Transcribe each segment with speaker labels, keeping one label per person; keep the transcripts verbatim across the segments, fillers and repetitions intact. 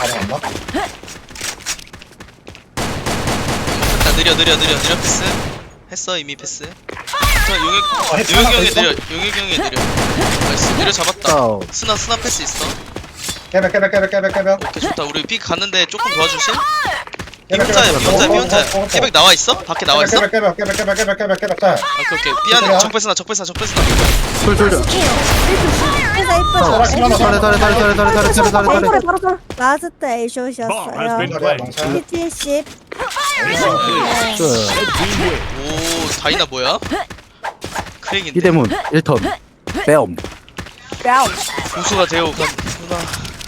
Speaker 1: 안 나?
Speaker 2: 먹혔다. 느려 느려 느려 느려 패스. 했어 이미 패스. 자, 용혁
Speaker 1: 아, 했-
Speaker 2: 용혁이
Speaker 1: 하나
Speaker 2: 형이
Speaker 1: 더
Speaker 2: 느려. 용혁이 형이 느려. 나이스. 느려 잡았다.
Speaker 3: 다운.
Speaker 2: 스나 스나 패스 있어.
Speaker 1: 깨백 깨백 깨백 깨백 깨백
Speaker 2: 오케이 좋다. 우리 픽 갔는데 조금 도와주실? 비
Speaker 1: 깨백,
Speaker 2: 혼자야
Speaker 1: 깨백,
Speaker 2: 비 혼자 비
Speaker 1: 깨백,
Speaker 2: 혼자.
Speaker 1: 깨백,
Speaker 2: 깨백 나와 있어? 밖에 나와 있어?
Speaker 1: 깨백 깨백 깨백 깨백 깨백 깨백 깨백 짤
Speaker 2: 오케이 오케이. 삐안에 적패스나 적패스나 적패스나.
Speaker 3: 둘둘둘.
Speaker 4: 이쁘다 이쁘다.
Speaker 1: 어,
Speaker 3: 잘해 잘해 잘해 잘해 잘해 잘해 잘해 잘해 잘해.
Speaker 4: 바로 바로 바로. 라스트
Speaker 5: Bomb has
Speaker 4: A샷이었어요.
Speaker 5: been planted.
Speaker 4: 칠십.
Speaker 3: 끝.
Speaker 5: Red team win.
Speaker 2: 오 다이나 뭐야? 크랙인데.
Speaker 3: 이대문 일 턴. 빼엄.
Speaker 2: 고수가 되어 간구나.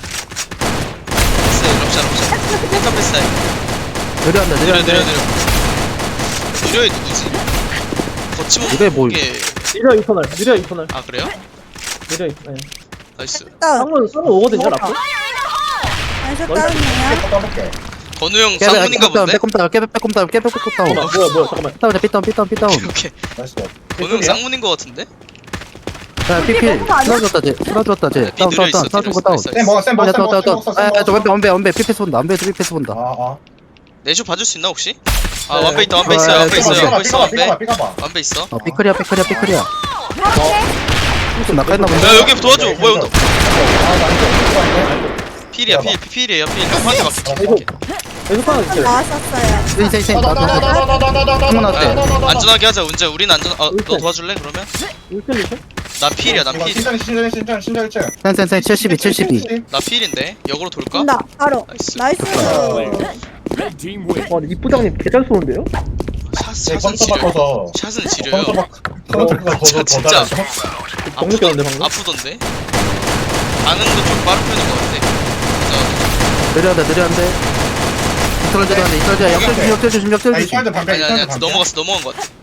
Speaker 2: 패스 럽샷 럽샷. 일단 패스.
Speaker 3: 느려한다
Speaker 2: 느려
Speaker 3: 느려한다.
Speaker 2: 느려 느려. 느려이 누구지? 거침없게.
Speaker 3: 이게 뭘-
Speaker 6: 느려 이터널, 느려 이터널,
Speaker 2: 아 그래요?
Speaker 6: 느려 이터널.
Speaker 2: 나이스.
Speaker 4: 다운.
Speaker 6: 쌍문 쌍문 오거든요, 라프.
Speaker 4: 아셔 다운이에요.
Speaker 1: 까볼게
Speaker 2: 건우 형 쌍문인가 본데?
Speaker 3: 빼꼼 다운 깨빼 빼꼼 다운 깨빼 빼꼼 다운.
Speaker 6: 잠깐만, 뭐야, 뭐야, 잠깐만.
Speaker 3: 다운 삐다운 삐다운 삐다운.
Speaker 2: 오케이.
Speaker 1: 나이스
Speaker 2: 건우 형 쌍문인 거 같은데?
Speaker 3: 야 피필 쓰러졌다 쟤 쓰러졌다 쟤. 다운 다운 다운 다운 거 다운.
Speaker 1: 쌤 먹어 쌤 먹어
Speaker 3: 야
Speaker 1: 쌤
Speaker 3: 다운
Speaker 1: 먹어
Speaker 3: 다운
Speaker 1: 쌤
Speaker 3: 다운.
Speaker 1: 먹어
Speaker 3: 아저 원배 원배 원배 피패스 본다 원배에서 피패스 본다.
Speaker 1: 아아
Speaker 2: 내쇼 봐줄 수 있나 혹시? 아
Speaker 6: 네.
Speaker 2: 완배 있다 완배 있어요
Speaker 3: 아,
Speaker 2: 완배 있어요
Speaker 1: 삐가봐
Speaker 2: 완배 있어
Speaker 1: 삐가봐
Speaker 2: 완배.
Speaker 1: 삐가봐
Speaker 2: 완배 있어.
Speaker 3: 어 삐클이야 삐클이야 삐클이야. 좀 나가있나 본데.
Speaker 2: 야 여기 도와줘. 뭐야 운동.
Speaker 1: 아 나이스
Speaker 2: 필이야 필 필이에요 필. 형한테 맡길게.
Speaker 6: 계속 하나 줄게.
Speaker 4: 나왔었어요.
Speaker 3: 인생 인생 나도 한번
Speaker 2: 아,
Speaker 3: 어때?
Speaker 2: 안전하게 하자 운재. 우리는 안전. 아너 도와줄래 그러면?
Speaker 6: 일등 일등?
Speaker 2: 나 필이야 나 필.
Speaker 1: 신전 신전 신전 신전 일층
Speaker 3: 센센센 칠십이 칠십이.
Speaker 2: 나 필인데 역으로 돌까?
Speaker 4: 온다. 바로.
Speaker 2: 나이스.
Speaker 4: 나이스.
Speaker 5: Red team win.
Speaker 6: 와, 근데 이부장님 개잘 쏘는데요?
Speaker 2: 샷
Speaker 1: 네
Speaker 2: 샷은
Speaker 1: 컴퓨터
Speaker 2: 지려.
Speaker 1: 바꿔서
Speaker 2: 샷은 지려요.
Speaker 1: 컴퓨터 바꿔 컴퓨터가
Speaker 2: 진짜,
Speaker 1: 더더
Speaker 2: 진짜.
Speaker 1: 잘하죠
Speaker 6: 너무 느꼈는데, 방금?
Speaker 2: 아프던데? 반응도 좀 빠른 편인 것 같아.
Speaker 3: 느려한다 느려한데. 이떨 져도 안돼 이떨 져. 역전 조심 역전 조심 역전
Speaker 1: 아니
Speaker 3: 조심.
Speaker 1: 이철도 반대
Speaker 2: 아니 아니
Speaker 1: 이철도
Speaker 2: 아니
Speaker 1: 반대
Speaker 2: 넘어갔어 넘어간 것 같아.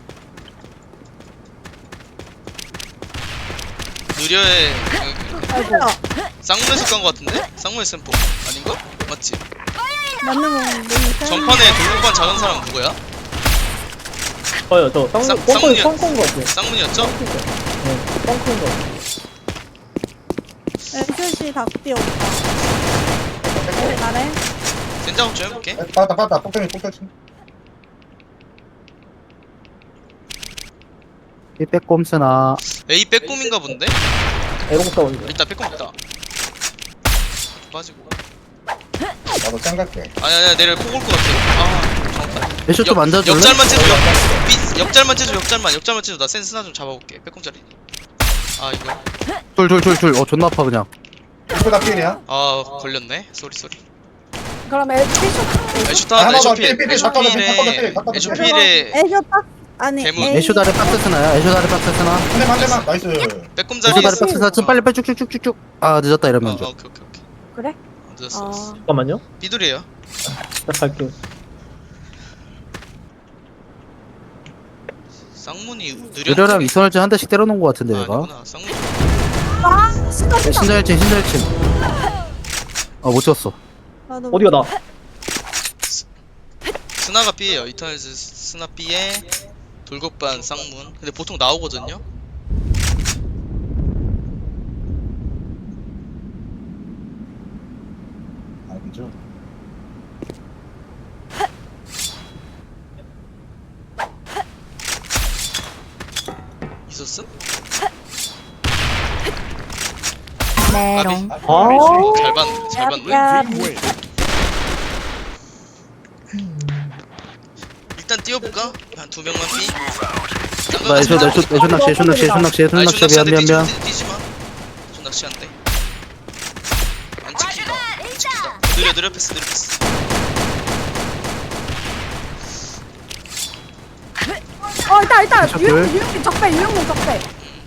Speaker 2: 느려의 그, 쌍문에서 깐 것 같은데? 쌍문의 샘포 아닌가? 맞지?
Speaker 4: 맞는 거 모르니까.
Speaker 2: 전판에 돌고반 작은 사람 누구야?
Speaker 6: 저요, 저
Speaker 2: 쌍-
Speaker 6: 쌍문, 뻥뻥이
Speaker 2: 쌍문이요.
Speaker 6: 뻥뻥인 거 같아요.
Speaker 2: 쌍문이었죠?
Speaker 6: 네, 뻥뻥인 거 같아요.
Speaker 4: A샷이 닭띠 오빠. 잘해.
Speaker 2: 센작업 좀 해볼게.
Speaker 1: 빠다 빠다 폭탄이 폭탄이
Speaker 3: 이 빼꼼스나.
Speaker 2: A 빼꼼인가 본데?
Speaker 6: 에롱 싸우는
Speaker 2: 일단 빼꼼 있다. 빠지고.
Speaker 1: 나도 짱 갈게
Speaker 2: 아니 아니 내려 폭 올 것 같아. 아 정확하다.
Speaker 3: 애쇼 좀 앉아줄래?
Speaker 2: 역잘만 째줘. 역, 삐, 역잘만 째줘. 역잘만 역잘만 째줘. 나 센스나 좀 잡아볼게. 빼꼼짜리. 아 이거.
Speaker 3: 둘둘둘둘. 어 존나 아파 그냥.
Speaker 1: 이쁘다 필이야
Speaker 2: 아 걸렸네. 쏘리 쏘리.
Speaker 4: 그럼 A샷.
Speaker 2: 에쇼타
Speaker 1: 하나 더,
Speaker 2: 에쇼필
Speaker 1: 필, 필, 잠깐만, 필, 잠깐만,
Speaker 2: 에쇼필에
Speaker 1: 필, 잠깐만,
Speaker 2: 에쇼필에
Speaker 4: A샷 딱. 아니.
Speaker 2: 대문.
Speaker 4: A.
Speaker 3: 애쇼 다리 박스 스나야. 애쇼 다리 박스 스나.
Speaker 1: 한대만 한대만 나이스
Speaker 2: 빼꼼자리.
Speaker 3: 애쇼 다리 박스 스나. 좀 빨리 빨리 쭉쭉쭉쭉쭉. 아 늦었다
Speaker 2: 아,
Speaker 3: 이러면
Speaker 2: 아,
Speaker 3: 좀.
Speaker 2: 오케이 오케이 오케이.
Speaker 4: 그래?
Speaker 2: 늦었어.
Speaker 4: 아.
Speaker 6: 잠깐만요.
Speaker 2: 삐둘이에요.
Speaker 6: 나 갈게요.
Speaker 2: 쌍문이 느려.
Speaker 3: 느려랑 이선을지 한 대씩 때려놓은 거 같은데
Speaker 2: 아,
Speaker 3: 얘가.
Speaker 2: 아니구나. 쌍문.
Speaker 4: 아, 진짜 진짜.
Speaker 3: 신자일진 신자일진. 아못 쳤어.
Speaker 4: 나도
Speaker 6: 어디가 나?
Speaker 2: 스나가 B에요. 이터널즈 스나 B에 돌격반 쌍문. 근데 보통 나오거든요.
Speaker 1: 아니죠
Speaker 2: 있었음?
Speaker 4: 메롱.
Speaker 2: 까비?
Speaker 6: 아,
Speaker 2: 어, 잘 봤, 잘 봤네.
Speaker 4: 야,
Speaker 5: Team win.
Speaker 2: 일단 뛰어볼까? 한 두 명만 B.
Speaker 3: 나 애쇼 애쇼 애쇼 낚시 애쇼 낚시 애쇼 낚시 애쇼 낚시 미안 미안 미안.
Speaker 2: 뛰지 마. 저 낚시 안 돼. 안 찍힌다. 안 찍힌다. 느려 느려 패스 느려 패스.
Speaker 4: 어, 일단 일단
Speaker 3: 샷
Speaker 4: 유영
Speaker 3: 둘.
Speaker 4: 유영 적배 유영문 적배.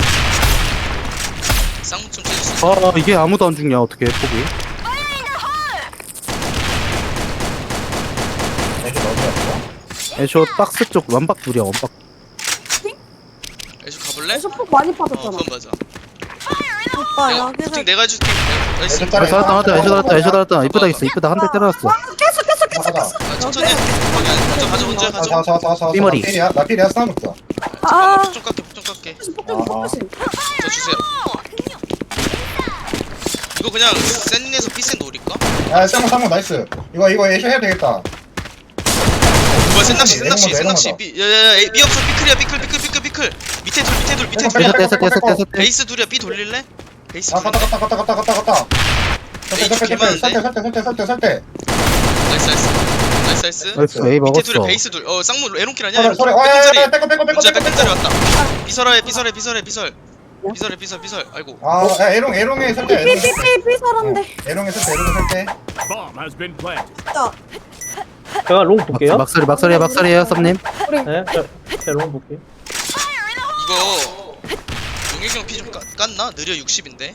Speaker 2: 쌍문 좀 째줄 수 있어.
Speaker 3: 아 이게 아무도 안 죽냐 어떻게 포기.
Speaker 1: 애쇼 너무
Speaker 3: 애쇼 박스 쪽 완박 둘이야 완박.
Speaker 2: 애쇼 가볼래?
Speaker 4: 폭 많이
Speaker 2: 어
Speaker 4: 빠졌잖아.
Speaker 2: 그건 맞아.
Speaker 4: 오빠
Speaker 2: 내가
Speaker 4: 여기서
Speaker 2: 부팅 내가 해줄게. 나이스.
Speaker 1: 애쇼
Speaker 3: 아 살았다 살았다 애쇼 살았다 애쇼 살았다 이쁘다 있어 이쁘다 한 대 때려놨어.
Speaker 4: 계속 계속 계속
Speaker 1: 하다
Speaker 2: 아, 천천히 해. 거기 안- 먼저 가져 먼저 가져.
Speaker 1: 자자자자자
Speaker 3: 삐머리.
Speaker 1: 필이야 나 필이야 스나부터
Speaker 4: 아,
Speaker 2: 폭 좀 깎게 폭 좀 깎게.
Speaker 4: 폭 조심 폭 조심.
Speaker 2: 저 주세요. 이거 그냥 센에서 피센 노릴까?
Speaker 1: 야 쌍문 쌍문 나이스. 이거 이거 애쉬 해야 되겠다.
Speaker 2: 뭐야 센낚시
Speaker 1: 에롱
Speaker 2: 센낚시
Speaker 1: 먼저,
Speaker 2: 센낚시
Speaker 1: 에롱
Speaker 2: 삐 야야야 삐 없어 삐클이야 삐클 삐클 삐클 삐클 밑에 둘 밑에 둘 밑에 둘
Speaker 1: 에롱
Speaker 3: 떼서 떼서 떼서 떼서 떼.
Speaker 2: 베이스 둘이야 삐 돌릴래? 베이스
Speaker 1: 아 갔다
Speaker 2: 둘인데?
Speaker 1: 갔다 갔다 갔다 갔다 갔다.
Speaker 2: 에이,
Speaker 1: 설대 설대
Speaker 2: 개많은데?
Speaker 1: 설대 설대 설대 설대 설대.
Speaker 2: 나이스 나이스 나이스 나이스
Speaker 3: 나이스 A
Speaker 2: 밑에 둘에
Speaker 3: 먹었어.
Speaker 2: 베이스 둘어 쌍문 에롱킬 아니야?
Speaker 1: 설대
Speaker 2: 에롱킬
Speaker 1: 설대. 와야야
Speaker 2: 백근자리
Speaker 1: 빼고 빼고 빼고
Speaker 2: 문자
Speaker 1: 빼고
Speaker 2: 백근자리
Speaker 1: 빼고.
Speaker 2: 왔다 삐설해 삐설해 삐설해 삐설 삐설해 삐설 삐설 아이고
Speaker 1: 아 야, 에롱 에롱에 설대. 에롱에 설대.
Speaker 4: 삐삐삐삐 서란데.
Speaker 1: 에롱에 설대 에롱에 설대.
Speaker 5: Bomb has been planted.
Speaker 4: 진짜.
Speaker 6: 제가 롱 볼게요.
Speaker 3: 막소리 막소리야 막소리에요 썸님.
Speaker 6: 네, 저- 제가 롱 볼게요.
Speaker 2: 이거 용일경 피 좀 깠나? 느려 육십인데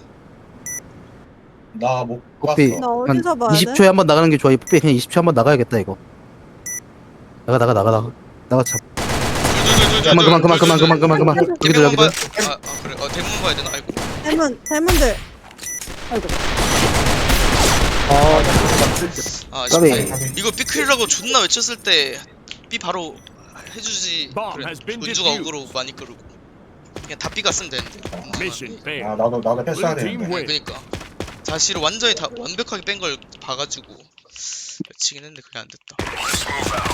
Speaker 1: 나못
Speaker 3: 뽀삐
Speaker 1: 봤어.
Speaker 4: 나
Speaker 3: 한
Speaker 4: 어디서 봐야 돼?
Speaker 3: 이십 초에 한번 나가는 게 좋아. 이 뽀삐 그냥 이십 초 한번 나가야겠다 이거. 나가 나가 나가 나가 나가 참. 그만 그만 그만 그만 그만 그만 그만. 여기들
Speaker 2: 대문
Speaker 3: 여기들.
Speaker 2: 봐야 아, 아 그래 어 대문 봐야 되나? 아이고
Speaker 4: 대문 대문들. 아이고.
Speaker 6: 아,
Speaker 2: 아
Speaker 3: 까비.
Speaker 2: 아쉽네 이거 삐클이라고 존나 외쳤을 때 삐 바로 해주지 그래 은주가 어그로 많이 끌고 그냥 다 삐가 쓰면 되는데
Speaker 5: Mission
Speaker 1: 아
Speaker 5: failed.
Speaker 1: 나도 나도 패스해야
Speaker 5: Blue team
Speaker 1: 되는데.
Speaker 5: win.
Speaker 2: 그니까 자시를 완전히 다 완벽하게 뺀 걸 봐가지고 외치긴 했는데 그게 안 됐다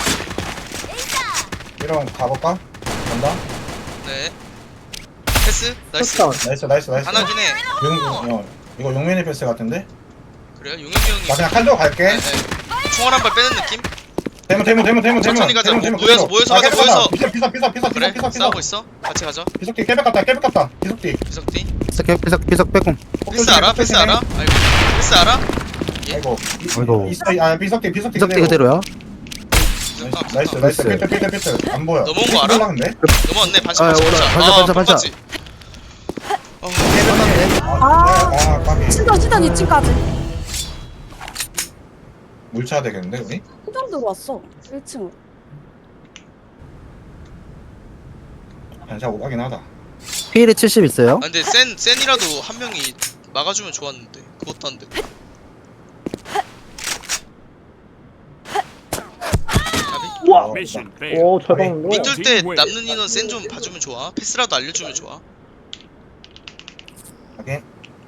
Speaker 1: 이런 가볼까? 간다.
Speaker 2: 네 패스? 나이스
Speaker 6: touchdown.
Speaker 1: 나이스 나이스 나이스.
Speaker 2: 하나긴 해
Speaker 1: 용 어, 이거 용민이 패스 같은데?
Speaker 2: 그래요? 용혁이 형이
Speaker 1: 나 그냥 칼로 갈게.
Speaker 2: 네, 네. 총알 한 발 빼는 느낌?
Speaker 1: 대문 대문 대문 대문 대문.
Speaker 2: 천천히 가자.
Speaker 1: 대문, 대문,
Speaker 2: 모여서,
Speaker 1: 대문.
Speaker 2: 모여서
Speaker 1: 아,
Speaker 2: 가자,
Speaker 1: 깨끗하다.
Speaker 2: 모여서.
Speaker 1: 비석 비석 비석 비석
Speaker 2: 그래?
Speaker 1: 비석 비석
Speaker 2: 싸우고
Speaker 1: 비석.
Speaker 2: 있어? 같이 가자
Speaker 1: 비석띠 깨백 같다 깨백 같다. 비석띠.
Speaker 2: 비석띠
Speaker 3: 피석 피석 피석 빼꼼.
Speaker 2: 패스 알아? 패스 알아? 아이고 패스 알아?
Speaker 1: 아이고.
Speaker 3: 아이고.
Speaker 1: 있어 아 비석띠 비석띠
Speaker 3: 피석대 그대로야.
Speaker 2: 비석 까,
Speaker 1: 나이스
Speaker 2: 비석 까.
Speaker 1: 나이스
Speaker 3: 나이스.
Speaker 1: 피트 피트 피트 안 보여.
Speaker 2: 넘어온 거 알아?
Speaker 1: 올라갔네.
Speaker 2: 넘어왔네 반칙
Speaker 3: 아,
Speaker 2: 반칙
Speaker 3: 오라.
Speaker 2: 반칙
Speaker 3: 반칙,
Speaker 2: 아
Speaker 3: 반칙,
Speaker 2: 반칙 어
Speaker 1: 아, 아 까비.
Speaker 4: 진짜 진짜 이 층까지.
Speaker 1: 물차 되겠는데 우리?
Speaker 4: 호정 들어왔어. 일 층으로.
Speaker 1: 반샷 오가긴 하다.
Speaker 3: 피일이 칠십 있어요.
Speaker 2: 아 근데 센, 센이라도 한 명이 막아주면 좋았는데 그것도 안 돼. 가비?
Speaker 6: 우와!
Speaker 5: Mission failed.
Speaker 6: 오, 잘 박는데.
Speaker 2: 삐뚤 때 남는 인원 센 좀 봐주면 좋아. 패스라도 알려주면 좋아.
Speaker 1: 오케이.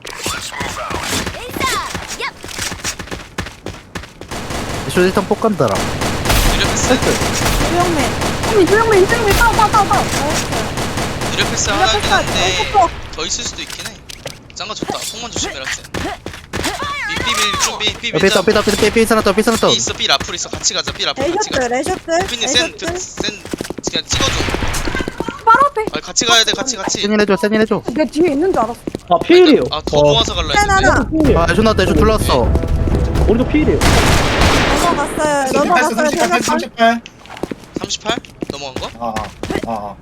Speaker 3: 쇼 일단 폭 간다라.
Speaker 2: 느려 패스?
Speaker 4: 조영맨. 어미 조영맨 조영맨 따오 따오 따오 따오.
Speaker 2: 느려 패스 하나긴 한데 더 있을 수도 있긴 해. 짱가 좋다. 폭만 조심해라 센. 삐삐삐 좀 삐, 삐
Speaker 3: 삐
Speaker 2: 밀자.
Speaker 3: 삐 삐 삐 삐 삐 삐 삐
Speaker 2: 삐 있어 삐 라플 있어 같이 가자 삐 라플 같이
Speaker 4: 레이셔츠
Speaker 2: 가자.
Speaker 4: 레이셔츠
Speaker 2: 삐님 센, 드-
Speaker 4: 레이셔츠.
Speaker 2: 센 그냥 찍어줘.
Speaker 4: 바로 앞에.
Speaker 2: 아 같이 가야 돼 같이 같이.
Speaker 3: 세닌 해줘 세닌 해줘.
Speaker 4: 내 뒤에 있는 줄 알았어.
Speaker 6: 아, 피일이에요.
Speaker 2: 아더
Speaker 3: 어.
Speaker 2: 모아서 갈라
Speaker 4: 센
Speaker 2: 했는데.
Speaker 4: 하나.
Speaker 6: 피일이에요.
Speaker 3: 아 애쇼 나왔다 애쇼 둘러왔어.
Speaker 6: 우리도 피일이에요.
Speaker 4: 넘어갔어요.
Speaker 1: 패스
Speaker 4: 넘어갔어요.
Speaker 1: 삼십팔 패스 삼십팔.
Speaker 2: 삼십팔? 넘어간 거?
Speaker 1: 아아 아. 아.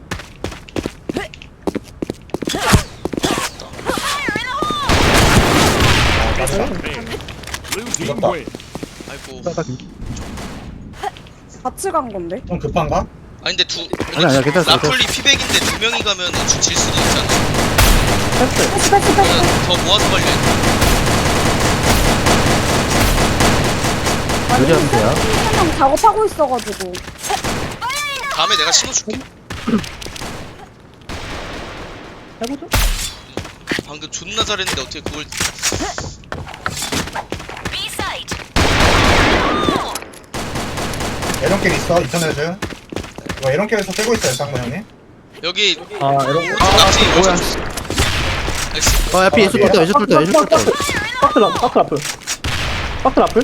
Speaker 1: 아, 맞다.
Speaker 5: Failed. Blue team
Speaker 1: 이겼다.
Speaker 5: win.
Speaker 2: 아이고.
Speaker 4: 같이 간 건데.
Speaker 1: 좀 급한가?
Speaker 2: 아니 근데 두
Speaker 3: 아니, 아니야, 괜찮았어,
Speaker 2: 라플리 피백인데 두 명이 가면 질 수도 있잖아.
Speaker 6: 패스.
Speaker 4: 패스 패스 패스.
Speaker 2: 그냥 더 모아서 걸려.
Speaker 3: 요리 하면 돼요.
Speaker 4: 한명 작업하고 있어가지고.
Speaker 2: 다음에 내가 신호줄게.
Speaker 6: 해보죠.
Speaker 2: 방금 존나 잘했는데 어떻게 그걸
Speaker 1: 에런길 있어 이천 헤즈. 이거 에런길에서 떼고 있어요 쌍문 형님.
Speaker 2: 여기
Speaker 6: 아, 이런 거.
Speaker 2: 낙지
Speaker 3: 뭐야.
Speaker 2: 나이스.
Speaker 3: 아 야피 애쇼 뚫다 애쇼 뚫다 애쇼 뚫다.
Speaker 6: 박스 라플, 박스 라플. 박스 라플.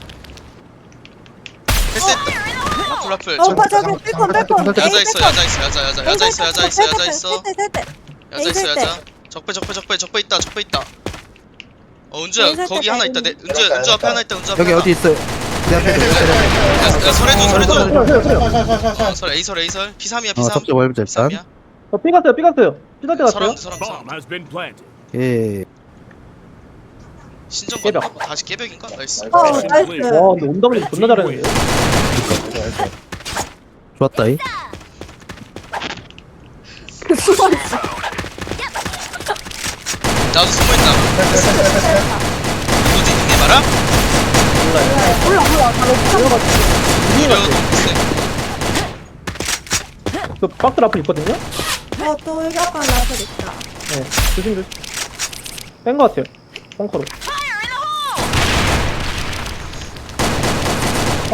Speaker 2: 패스했다. 라플 라플.
Speaker 4: 어,
Speaker 2: 저-
Speaker 4: 오빠 저기 삐콘 삐콘.
Speaker 2: 야자 있어 야자 있어 야자 야자 야자 있어 야자 있어 야자 있어 야자 있어
Speaker 4: 때.
Speaker 2: 야자. 적배 적배 적배 적배 있다 적배 있다. 어 은주야
Speaker 4: 에이설
Speaker 2: 거기
Speaker 4: 때
Speaker 2: 하나 있다. 내 은주 은주 앞에 하나 있다. 은주 앞에
Speaker 3: 여기
Speaker 2: 하나.
Speaker 3: 어디 있어요? 내 앞에 있어.
Speaker 2: 야, 야 설해줘 설해줘.
Speaker 6: 세요, 세요, 세요.
Speaker 1: 샤샤샤샤.
Speaker 2: 어, 설 A설 A설 P 삼이야 P
Speaker 3: 어
Speaker 2: 삼.
Speaker 3: 접대 월급
Speaker 2: P 삼이야.
Speaker 3: 일단.
Speaker 6: 어, 삐 갔어요, 삐 갔어요. 삐갈 때 갔어요.
Speaker 2: 서랑 서랑 서랑.
Speaker 5: Bomb has been planted.
Speaker 3: 예.
Speaker 2: 신전
Speaker 6: 깨벽.
Speaker 2: 건너? 뭐 다시 깨벽인가? 나이스.
Speaker 4: 어
Speaker 5: Mission
Speaker 4: 나이스.
Speaker 5: clear.
Speaker 6: 와, 근데 온다블리 존나 잘했는데.
Speaker 3: 좋았다 이.
Speaker 4: 숨어 있어.
Speaker 2: 나도 숨어있다. 누구지? 이게 말아?
Speaker 4: 몰라 몰라. 나 로프
Speaker 2: 이거 너무 세.
Speaker 6: 그 박스 라플 있거든요?
Speaker 4: 어또 여기 아까 나서 있다.
Speaker 6: 네, 조심, 조심. 뺀 거 같아요. 벙커로.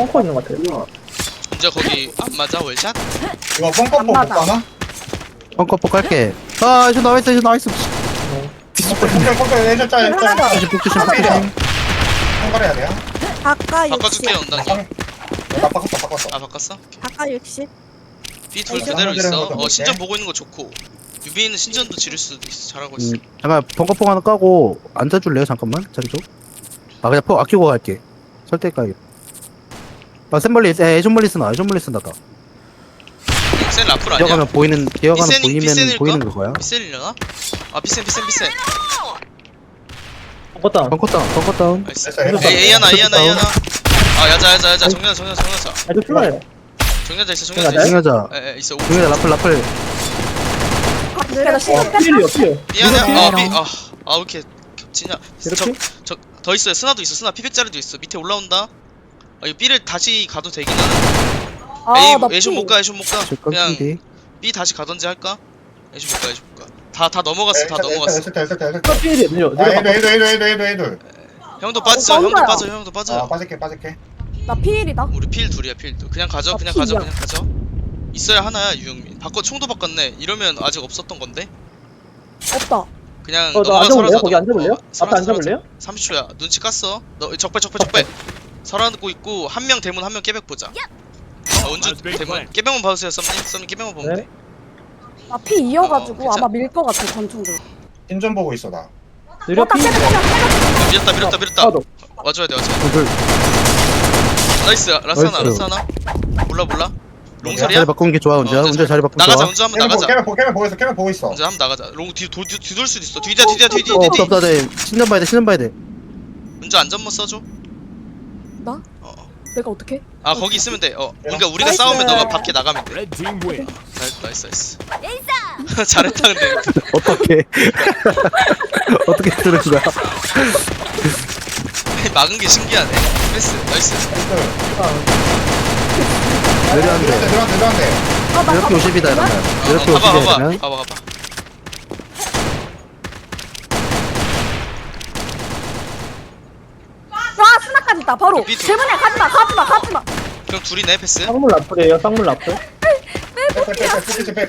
Speaker 6: 펑커 있는 것 같아요.
Speaker 2: 이제 거기 안 맞아 월샷?
Speaker 1: 이거 뻥뻥뻥 못
Speaker 4: 맞아.
Speaker 1: 가나?
Speaker 3: 펑커 깔게. 아 이거 나와있어 이거 나와있어.
Speaker 1: 뻥뻥 뻥뻥 해줘 짜 해줘
Speaker 4: 하나 더.
Speaker 3: 조심 조심
Speaker 1: 아,
Speaker 3: 조심.
Speaker 1: 통과해야 돼요?
Speaker 4: 아까 육십.
Speaker 2: 바꿔줄게 언당이.
Speaker 1: 나 바꿨어 바꿨어
Speaker 2: 아 바꿨어?
Speaker 4: 아까 육십.
Speaker 2: B 둘
Speaker 1: 아,
Speaker 2: 그대로 있어.
Speaker 1: 한번
Speaker 2: 어
Speaker 1: 볼게.
Speaker 2: 신전 보고 있는 거 좋고. 유빈은 신전도 지를 수도 있어. 잘하고 있어.
Speaker 3: 음, 잠깐 벙커포 하나 까고 앉아줄래요? 잠깐만 자리 좀. 아 그냥 포 아끼고 갈게. 설대 까게. 아 샘멀리, 에 애존멀리 쓰나 애존멀리 쓴다다.
Speaker 2: 센 라플 아니야?
Speaker 3: 기어가면 보이는 기어가면
Speaker 2: 비센이-
Speaker 3: 보이면
Speaker 2: 비센일까?
Speaker 3: 보이는 그거야.
Speaker 2: 비셀이려나? 아 비센 비센 비센.
Speaker 6: 펑커 다운.
Speaker 3: 벙커 다운 벙커 다운.
Speaker 2: 나이스.
Speaker 1: 됐어 이거
Speaker 2: A A 하나 A 하나 A 하나. 아 야자 야자 야자 정면자 정면자 정면자.
Speaker 6: 아, 저 플라요.
Speaker 2: 정면자 있어 정면자
Speaker 6: 정면자?
Speaker 2: 있어.
Speaker 3: 중요하자
Speaker 2: 에에 있어.
Speaker 3: 중요하자 라플 라플.
Speaker 4: 내가
Speaker 6: 와, 필이요, 필.
Speaker 2: 미안해.
Speaker 3: 이거
Speaker 2: 아,
Speaker 3: 피해라.
Speaker 2: 미, 아, 아, 왜 이렇게 겹치냐?
Speaker 6: 이렇게?
Speaker 2: 저, 저, 더 있어요. 스나도 있어. 스나 피백짜리도 있어. 밑에 올라온다. 아, 이거 B를 다시 가도 되긴 하는데. A,
Speaker 4: 아나
Speaker 2: A쇼 못 가, A쇼 못 가.
Speaker 3: 제
Speaker 2: 그냥
Speaker 3: 깜짝이.
Speaker 2: B 다시 가던지 할까? A쇼 못 가, A쇼 못 가. 다, 다 넘어갔어, 다 넘어갔어.
Speaker 1: 했을 때 했을 때 했을
Speaker 6: 저
Speaker 1: 때
Speaker 6: 필이에요. 내려,
Speaker 1: 아
Speaker 6: 내려.
Speaker 1: 애들 애들 애들 애들 애들
Speaker 2: 형도 빠져,
Speaker 4: 어,
Speaker 2: 형도
Speaker 4: 뻔거야.
Speaker 2: 빠져, 형도
Speaker 1: 아
Speaker 2: 빠져.
Speaker 1: 빠질게 빠질게
Speaker 4: 나 피일이다.
Speaker 2: 우리 필 둘이야, 필 둘. 그냥 가져,
Speaker 4: 아,
Speaker 2: 그냥 가져,
Speaker 4: 필이야.
Speaker 2: 그냥 가져. 있어야 하나야, 유영민. 바꿔, 총도 바꿨네. 이러면 아직 없었던 건데?
Speaker 4: 없다.
Speaker 2: 그냥
Speaker 6: 어, 나
Speaker 2: 넘어가
Speaker 6: 앉아볼래요?
Speaker 2: 설하자.
Speaker 6: 거기 앉아볼래요?
Speaker 2: 어, 설하자,
Speaker 6: 앞에 앉아볼래요?
Speaker 2: 설하자. 삼십 초야. 눈치 깠어. 너 적배 적배 적배. 설하고 있고 한 명 대문 한 명 깨백 보자. 어, 은주 대문 깨백만 봐주세요. 썸님 썸님 깨백만 보면
Speaker 6: 네.
Speaker 2: 돼.
Speaker 4: 나 피 이어가지고
Speaker 2: 어,
Speaker 4: 아마 밀 것 같아 전총들.
Speaker 1: 신전 보고 있어 나
Speaker 6: 느려
Speaker 4: 어딱
Speaker 6: 필.
Speaker 4: 깨면 깨면 깨면.
Speaker 2: 어, 밀었다 밀었다 밀었다.
Speaker 6: 하나 더.
Speaker 2: 와줘야 돼 와줘야 돼.
Speaker 3: 둘.
Speaker 2: 나이스 라스하나
Speaker 3: 나이스.
Speaker 2: 라스하나. 몰라 몰라.
Speaker 3: 자리
Speaker 2: 롱설이야?
Speaker 3: 바꾸는 게 좋아 운자.
Speaker 2: 어,
Speaker 3: 운자 자리 바꾸는
Speaker 2: 나가자
Speaker 3: 좋아.
Speaker 2: 운주 한번
Speaker 1: 캐면 보고
Speaker 2: 나가자.
Speaker 1: 캐면 보고 캐면 보고 있어 캐면 보고 있어
Speaker 2: 운주 한번 나가자. 롱뒤 뒤, 뒤, 뒤돌 수도 있어. 뒤dia 뒤dia 뒤뒤
Speaker 3: 어
Speaker 2: 뒤.
Speaker 3: 없다 없다 네 신전 봐야 돼 신전 봐야 돼.
Speaker 2: 운주 안전모 써줘.
Speaker 4: 나?
Speaker 2: 어. 어.
Speaker 4: 내가 어떻게?
Speaker 2: 아 거기 있으면 돼. 어. 그러니까 우리가
Speaker 4: 나이스.
Speaker 2: 싸우면 너가 밖에 나가면 돼.
Speaker 5: Red team win.
Speaker 2: 잘, 나이스 나이스. 잘했다 근데.
Speaker 3: 어떻게 어떻게 들은 거야?
Speaker 2: 막은 게 신기하네. 패스 나이스.
Speaker 3: 내려한대.
Speaker 1: 내려한대 내려한대
Speaker 4: 아나
Speaker 3: 이렇게 오십이다 이러면.
Speaker 2: 어,
Speaker 3: 이렇게
Speaker 2: 어, 봐봐
Speaker 3: 오십이다
Speaker 2: 봐봐
Speaker 3: 이러면.
Speaker 2: 봐봐 봐봐.
Speaker 4: 와 스나까지 있다 바로.
Speaker 2: 그 삐뚤.
Speaker 4: 대문에 가지마 가지마 가지마.
Speaker 2: 그럼 둘이네 패스.
Speaker 6: 쌍물 라플이에요. 쌍물 라플.
Speaker 1: 빼빼빼빼빼빼빼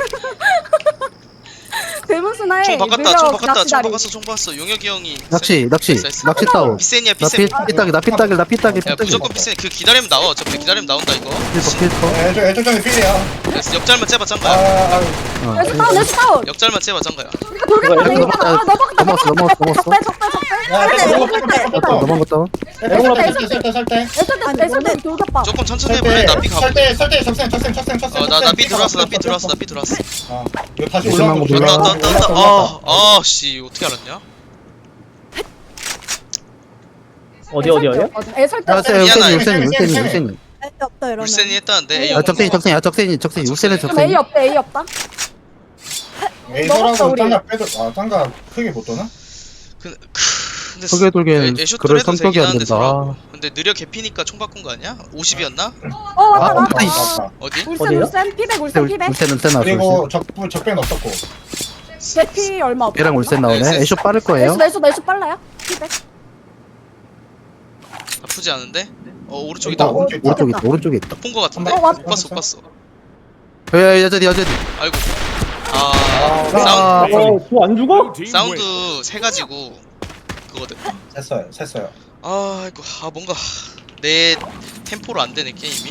Speaker 4: 대문 스나에
Speaker 2: 총 바꿨다
Speaker 4: 느려
Speaker 2: 총 바꿨다 총
Speaker 4: 낚시다리.
Speaker 2: 바꿨어 총 바꿨어 용혁이 형이
Speaker 3: 낚시 낚시
Speaker 2: 나이스, 나이스.
Speaker 3: 낚시 다운.
Speaker 2: 비센이야
Speaker 3: 나
Speaker 2: 비센.
Speaker 3: 피 피따기 나 피따기 나 피따기
Speaker 2: 야
Speaker 3: 피따기.
Speaker 2: 무조건 비센. 그 기다리면 나와. 어차피 기다리면 나온다 이거.
Speaker 3: 필터 필터.
Speaker 1: 애초 애초 전에 필이야
Speaker 2: 나이스. 역잘만 째봐 짱가야.
Speaker 1: 아아
Speaker 3: 어.
Speaker 4: 에스 다운 에스 다운.
Speaker 2: 역잘만 째봐 짱가야.
Speaker 4: 이거 돌겠다
Speaker 3: 이거
Speaker 4: 이거.
Speaker 3: 넘어갔다.
Speaker 4: 아 넘어갔다
Speaker 3: 넘어갔어, 넘어갔어, 넘어갔어.
Speaker 4: 적배 적배 적배.
Speaker 1: 야,
Speaker 4: 설대
Speaker 1: 넘어갔다,
Speaker 4: 설대
Speaker 1: 넘어갔다.
Speaker 4: 설대.
Speaker 3: 넘어갔다.
Speaker 1: 설때 설때 설때
Speaker 4: 에스 때 에스 때 돌겠다.
Speaker 2: 조금 천천히 해볼래?
Speaker 1: 설때
Speaker 2: 나삐 가볼래?
Speaker 1: 설때 설때 적생 적생 적생 적생
Speaker 2: 어나나삐 들어왔어 나삐 들어왔어 나삐 들어왔어.
Speaker 1: 아 이거 다시
Speaker 3: 조심한
Speaker 1: 올라오고
Speaker 3: 거 몰라.
Speaker 2: 왔다 왔다 왔다 왔다. 아아씨 어떻게 알았냐?
Speaker 6: 어디, 어디, 어디요?
Speaker 4: 에 설대.
Speaker 3: 야, 세
Speaker 2: 미안하다.
Speaker 3: 울센이 울센이 울센이 울센이.
Speaker 4: 없다 이러면.
Speaker 2: 울센이 했다는데 A
Speaker 3: 아 적sen이 적sen이 아 적sen이 적sen이 울센은
Speaker 4: 그럼 A
Speaker 3: 적sen이.
Speaker 4: 없대 A 없다.
Speaker 1: 에이서라고
Speaker 4: 먹었어, 우리.
Speaker 1: 짱가 빼도 아 짱가 크게 못 도나?
Speaker 2: 그 근데
Speaker 3: 크게 돌기엔
Speaker 2: 애쇼
Speaker 3: 그럴
Speaker 2: 해도
Speaker 3: 성격이
Speaker 2: 되긴
Speaker 3: 안
Speaker 2: 하는데
Speaker 3: 된다.
Speaker 2: 서로. 근데 느려 개피니까 총 바꾼 거 아니야? 오십이었나?
Speaker 4: 어 왔다
Speaker 3: 아,
Speaker 4: 왔다.
Speaker 3: 아이씨.
Speaker 1: 맞다.
Speaker 2: 어디?
Speaker 4: 울센
Speaker 6: 어디요?
Speaker 4: 울센 피백 울센 피백.
Speaker 3: 울센 울센 나왔어.
Speaker 1: 그리고 적 적배는 없었고
Speaker 4: 대피 얼마 없다.
Speaker 3: 얘랑 울센 나오네.
Speaker 2: 네,
Speaker 3: 애쇼 빠를 거예요.
Speaker 4: 내수 내수 내수 빨라요? 피백.
Speaker 2: 나쁘지 않은데? 어 오른쪽이다.
Speaker 1: 어, 오른쪽 있다.
Speaker 3: 오른쪽에 있다. 오른쪽에 있다.
Speaker 2: 본 거 같은데?
Speaker 4: 어, 왔-
Speaker 2: 못 봤어 못 봤어.
Speaker 3: 야 여자디 여자디.
Speaker 2: 아이고. 아
Speaker 1: 아,
Speaker 2: 사운드
Speaker 6: 어, 저안 죽어?
Speaker 5: Blue team win.
Speaker 2: 사운드 세 가지고 그거든.
Speaker 1: 셌어요 셌어요
Speaker 2: 아 아이고 아 뭔가 내 템포로 안 되네 게임이.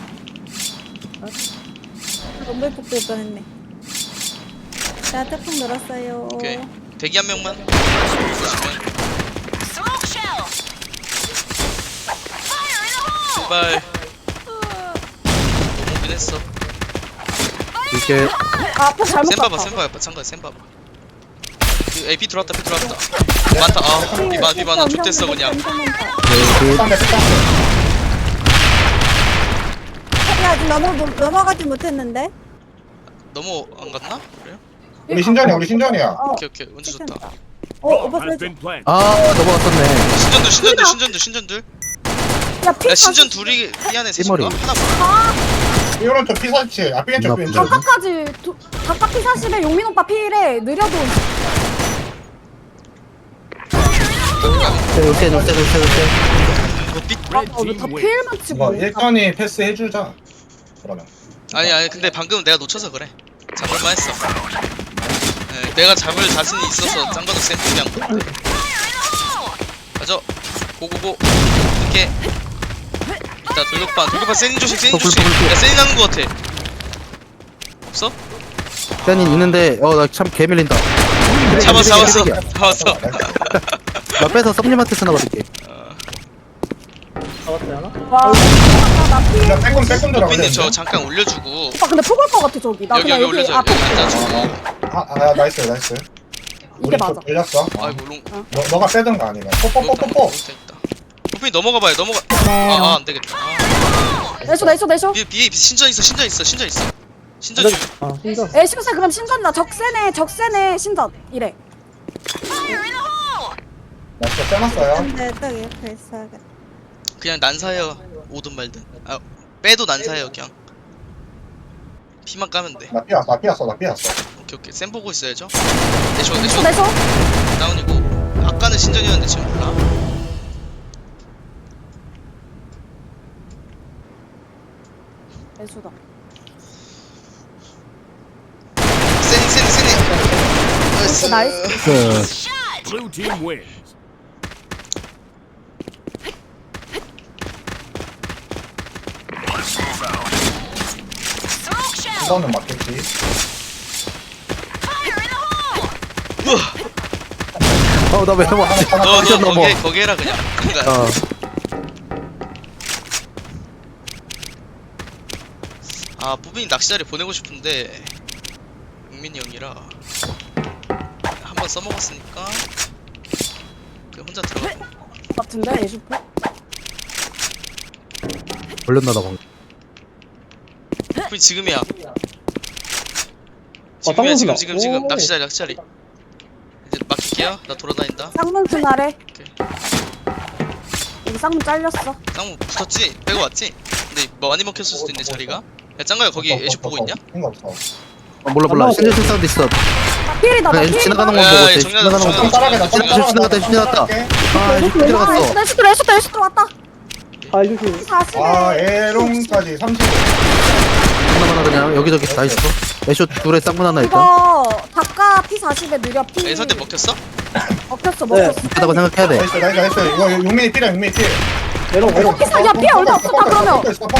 Speaker 4: 너무 예쁘게 했네. 자 태풍 늘었어요.
Speaker 2: 오케이 대기 한 명만. 보시면. 제발. 너무 오긴 했어.
Speaker 3: 이게
Speaker 4: 아 앞에 잘못
Speaker 2: 센 봐봐
Speaker 4: 봤다.
Speaker 2: 센 봐봐 참가 센 봐봐. 그 에이 비 들어왔다 비 들어왔다. 많다 아 비만 비만 나 족됐어 그냥.
Speaker 3: 여기
Speaker 1: 쌍배 쌍배
Speaker 4: 야 아직 넘어 넘어가지 못했는데.
Speaker 2: 너무 안 갔나? 그래요?
Speaker 1: 우리 신전이야 우리 신전이야
Speaker 4: 어.
Speaker 2: 오케이 오케이 운주 좋다.
Speaker 4: 어
Speaker 5: Bomb
Speaker 4: 오빠
Speaker 5: has
Speaker 4: 그래.
Speaker 5: been planted.
Speaker 3: 아 넘어갔었네.
Speaker 2: 신전들 신전들 신전들 신전들.
Speaker 4: 야피
Speaker 2: 야 신전 둘이 삐안해 셋인가?
Speaker 3: 띠머리.
Speaker 2: 하나 몰라.
Speaker 1: 이 오른쪽 피사치 아 삐왼쪽 삐왼쪽
Speaker 4: 각각까지 각각 피 사십에 용민 오빠 피일에 느려도
Speaker 3: 울센 울센 울센 울센.
Speaker 2: 이거 삐
Speaker 5: Red
Speaker 4: 어,
Speaker 5: team
Speaker 4: 다
Speaker 5: wins.
Speaker 4: 필만 치고.
Speaker 1: 이거 일선이 패스해주자. 그러면.
Speaker 2: 아니 아니 근데 방금 내가 놓쳐서 그래. 잡을만 했어. 네, 내가 잡을 자신이 있어서 짱가도 샘플이 한 건데. 가져. 고고고. 이렇게. 자 돌격반 돌격반 세닌 조심 세닌 조심. 야 세닌 하는 거 같아. 없어?
Speaker 3: 세닌 있는데 어 나 참 개밀린다.
Speaker 2: 잡았어 잡았어
Speaker 3: 쓰레기야.
Speaker 2: 잡았어.
Speaker 3: 나 빼서 썸님한테 쓰나 봐줄게.
Speaker 6: 잡았어요 하나?
Speaker 4: 와, 나 필.
Speaker 1: 그냥 빼꼼 빼꼼 들어가.
Speaker 2: 삐님 저 잠깐 올려주고
Speaker 4: 오빠 근데 폭올 것 같아 저기. 나
Speaker 2: 여기
Speaker 4: 그냥
Speaker 2: 여기
Speaker 4: 여기
Speaker 2: 올려줘.
Speaker 4: 앞에
Speaker 2: 여기
Speaker 4: 있을게.
Speaker 2: 앉아주고.
Speaker 1: 아, 아 나이스 나이스.
Speaker 4: 이게
Speaker 1: 우리
Speaker 4: 맞아.
Speaker 1: 쪽 걸렸어.
Speaker 2: 아이고 롱.
Speaker 1: 너 너가 빼든가 아니면 뽀뽀뽀뽀뽀.
Speaker 2: 삐 넘어가 봐요 넘어가. 아아 안 되겠다. 아.
Speaker 4: 내쇼 내쇼 내쇼.
Speaker 2: 비, 비, 비 신전 있어 신전 있어 신전 있어 신전 중.
Speaker 6: 아 신전.
Speaker 4: 애쇼세 그럼 신전이다. 적세네 적세네 신전 이래.
Speaker 1: 나 진짜 빼놨어요.
Speaker 7: 근데 딱 이렇게 있어야겠다.
Speaker 2: 그냥 난사해요 오든 말든. 아 빼도 난사해요 그냥. 피만 까면 돼.
Speaker 1: 나 피었어 나 피었어 나 피었어.
Speaker 2: 오케이 오케이 쌤 보고 있어야죠. 내쇼
Speaker 4: 내쇼
Speaker 2: 내쇼
Speaker 4: 내쇼.
Speaker 2: 다운이고 아까는 신전이었는데 지금 몰라.
Speaker 4: 내쇼다.
Speaker 2: 세닝 세닝 세닝. 나이스.
Speaker 4: 나이스.
Speaker 3: 그
Speaker 5: Blue team wins.
Speaker 1: 이거는 맞겠지.
Speaker 2: 우와.
Speaker 3: 어나왜 넘어?
Speaker 1: 하나 하나
Speaker 2: 너
Speaker 3: 미션
Speaker 2: 너
Speaker 3: 넘어.
Speaker 2: 거기 거기 해라 그냥. 그러니까
Speaker 3: 어.
Speaker 2: 아 뿌빈이 낚시자리 보내고 싶은데 용민이 형이라 한 번 써먹었으니까 그냥 혼자 들어가.
Speaker 4: 같은데 애쇼 폭.
Speaker 3: 걸렸나다 방금.
Speaker 2: 뿌빈 지금이야.
Speaker 6: 아,
Speaker 2: 지금이야 지금
Speaker 6: 쌍문수다.
Speaker 2: 지금 지금
Speaker 6: 오.
Speaker 2: 낚시자리 낚시자리. 이제 맡길게요. 나 돌아다닌다.
Speaker 4: 쌍문 그날에.
Speaker 2: 오케이.
Speaker 4: 여기 쌍문 잘렸어.
Speaker 2: 쌍무 붙었지? 빼고 왔지? 근데 뭐 많이 먹혔을 수도 있네 자리가. 야 짱가야 거기 애쇼 보고 있냐?
Speaker 1: 생각 없어.
Speaker 3: 어 몰라 몰라. 신전 사운드 있어.
Speaker 4: 필이다 나
Speaker 3: 그냥
Speaker 4: 필.
Speaker 3: 지나가는 거
Speaker 2: 야,
Speaker 3: 보고
Speaker 2: 야,
Speaker 3: 있어.
Speaker 2: 정리하자,
Speaker 3: 지나가는 거
Speaker 1: 좀
Speaker 3: 보고.
Speaker 1: 따라가자. 좀
Speaker 3: 지나갔다, 지나갔다, 지나갔다. 아 이거 들어갔어.
Speaker 4: 내쇼 내쇼 내쇼 내쇼 왔다.
Speaker 6: 아 조심.
Speaker 4: 사십에.
Speaker 1: 아 에롱까지 삼십.
Speaker 3: 하나만 그냥 여기저기 다 있어. 애쇼 둘에 쌍문 하나 있다.
Speaker 4: 이거 닭가 피 사십에 느려 피.
Speaker 2: 야, 선택 먹혔어?
Speaker 4: 먹혔어
Speaker 6: 네.
Speaker 4: 먹혔어.
Speaker 3: 있다고 생각해야 돼.
Speaker 1: 나이스 나이스 나이스. 이거 용민이 필이야 용민이 필.
Speaker 6: 내려 내려.
Speaker 4: 야, 피 얼마 없어, 다 그러면.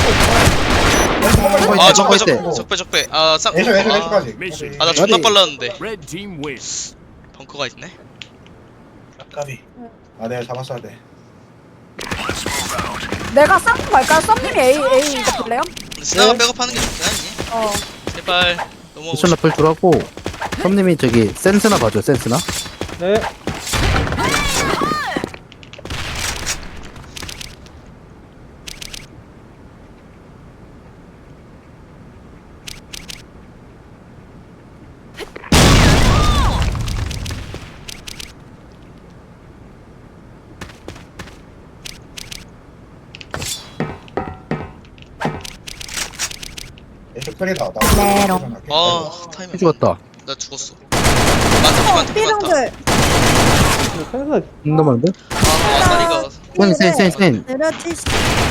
Speaker 2: 아
Speaker 3: 아,
Speaker 2: 적배
Speaker 3: 적배
Speaker 2: 적배 적배 적배. 아 쌍.
Speaker 1: 애쇼 애쇼
Speaker 2: 아,
Speaker 1: 애쇼까지.
Speaker 2: 아 나 존나
Speaker 3: 어디?
Speaker 2: 빨랐는데.
Speaker 5: Red team wins.
Speaker 2: 벙커가 있네.
Speaker 1: 까비. 아 내가 잡았어야 돼.
Speaker 4: 내가 쌍문 갈까요? 썸님이 A A 이거 볼래요?
Speaker 2: 근데 스나가
Speaker 6: 네.
Speaker 2: 백업하는 게 좋긴 하지.
Speaker 4: 어.
Speaker 2: 제발 넘어오고
Speaker 3: 미션
Speaker 2: 싶어.
Speaker 3: 라플 줄하고 선님이 저기 센스나 봐줘. 센스나.
Speaker 6: 네.
Speaker 1: 애쇼 필이다.
Speaker 7: 메롱.
Speaker 2: 아 타이밍.
Speaker 3: 죽었다.
Speaker 2: 나 죽었어. 많다 많다 많다.
Speaker 7: 삐롱들
Speaker 6: 생각
Speaker 3: 존나 많은데?
Speaker 2: 아 아다리가.
Speaker 3: 센, 센, 센, 센.
Speaker 7: 내려치시.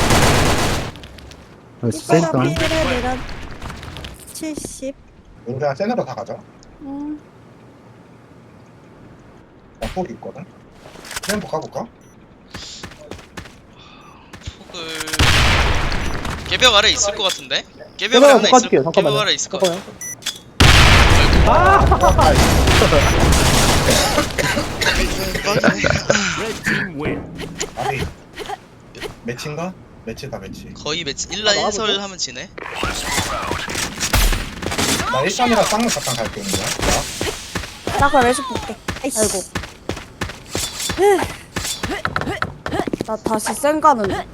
Speaker 3: 나이스,
Speaker 7: 이거가
Speaker 3: 센스.
Speaker 7: 삐를 내려 칠십.
Speaker 1: 우리 그냥 센으로 다 가자.
Speaker 7: 음.
Speaker 1: 나 폭이 있거든. 센폭 가볼까?
Speaker 2: 폭을 개벽 아래 있을 것 같은데? 개벽 아래
Speaker 6: 내가
Speaker 2: 하나
Speaker 6: 바꿔줄게요.
Speaker 2: 있을. 개벽
Speaker 6: 잠깐만요.
Speaker 2: 아래 있을 것 같아.
Speaker 6: 잠깐만요.
Speaker 5: Red team wins.
Speaker 1: 아니 매치인가? 매치다 매치.
Speaker 2: 거의 매치 일라
Speaker 6: 아,
Speaker 2: 일설 하면 지네.
Speaker 1: 나 일선이랑 쌍문 잠깐 갈게 있는 거야.
Speaker 4: 나 그럼 애쇼 볼게.
Speaker 7: 아이씨.
Speaker 4: 아이고. 나 다시 쌩 가는. 중.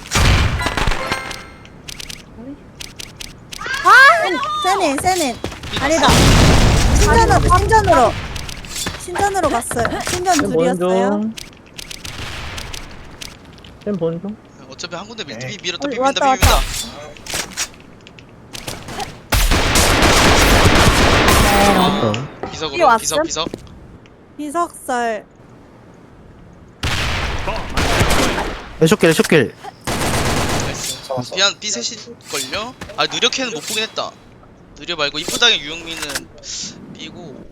Speaker 7: 세닌 세닌. 아니다. 신전으로 신전으로 신전으로 갔어요. 신전
Speaker 6: 쌤 보는
Speaker 7: 둘이었어요.
Speaker 6: 중. 쌤 보는 중.
Speaker 2: 어차피 한 군데 밀
Speaker 1: 네.
Speaker 2: 비 밀었다
Speaker 7: 어,
Speaker 2: 비빈다
Speaker 7: 왔다,
Speaker 2: 비빈다.
Speaker 3: 어.
Speaker 2: 비석으로
Speaker 4: 왔음?
Speaker 2: 비석 비석.
Speaker 7: 비석설.
Speaker 5: Bomb has been planted.
Speaker 3: 애쇼길 애쇼길.
Speaker 2: 나이스.
Speaker 1: 잡았어.
Speaker 2: 미안 B 셋일걸요? 아 느려캐는 못 보긴 했다. 느려 말고 이쁘다게 유영민은 B고.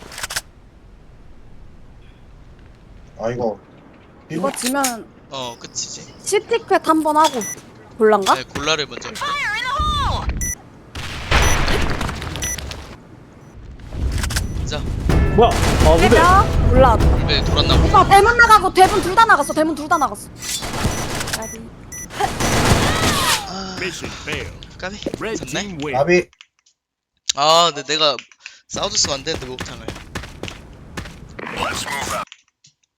Speaker 1: 아 이거
Speaker 4: 이거 지면
Speaker 2: 어 끝이지.
Speaker 4: 시티켓 한 번 하고 볼란가?
Speaker 2: 네 골라를 먼저 할게. 자
Speaker 6: 뭐야? 아 근데
Speaker 4: 해봐. 몰라.
Speaker 2: 네 돌았나 보네.
Speaker 4: 오빠 대문 나가고 대문 둘 다 나갔어. 대문 둘 다 나갔어. 까비.
Speaker 2: 아
Speaker 5: Mission failed.
Speaker 2: 까비
Speaker 5: Red
Speaker 2: 졌네.
Speaker 5: team win.
Speaker 1: 나비
Speaker 2: 아 근데 내가 싸워줬으면 안 되는데 목탕을.